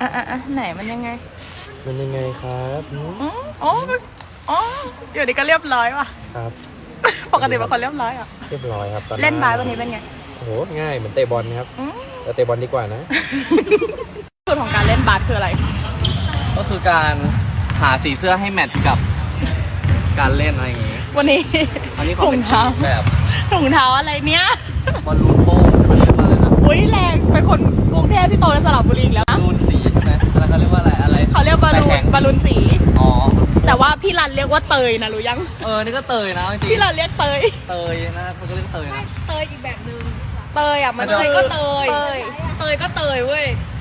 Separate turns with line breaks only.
ไหนมันยังไง
มันยังไงครับ
อ๋ออยู่ดีก็เรียบร้อยว่ะ
ครับ
ปกติเป็นคนเรียบร้อยอ่ะ
เรียบร้อยครับตอน
เล่นบาสวันนี้เป็นไง
โอ้โหง่ายเหมือนเตะบอลครับแต่เตะบอลดีกว่านะ
สูตรของการเล่นบาสคืออะไร
ก็คือการหาสีเสื้อให้แมทกับการเล่นอะไรอย่างงี้
วันนี้
อันนี้ขอ
ถุ
เป็
ง
น
เท้า
แบบ
ถุงเท้าอะไรเนี้ย
บอลลูนโป้งเขาเรียกว่าอะไรนะ
อุ้ยแรงเป็นคนกรุงเทพที่โตในสระบุรีอีกแล้ว
บอลลูนสีใช่ไหมแล้วเขาเรียกว่าอะไร
เขาเรียกบอลลู
แข็
น
ง
บอลลูนสี
อ๋อ
แต่ว่าพี่รันเรียกว่าเตยนะรู้ยัง
นี่ก็เตยนะจริง
พี่รันเรียกเตย
เตยนะเขาก็เรียกเตยนะ
เตยอีกแบบนึงเตยอ่ะมัน
เตย
ก็เตยเตยก็เตยเว้ย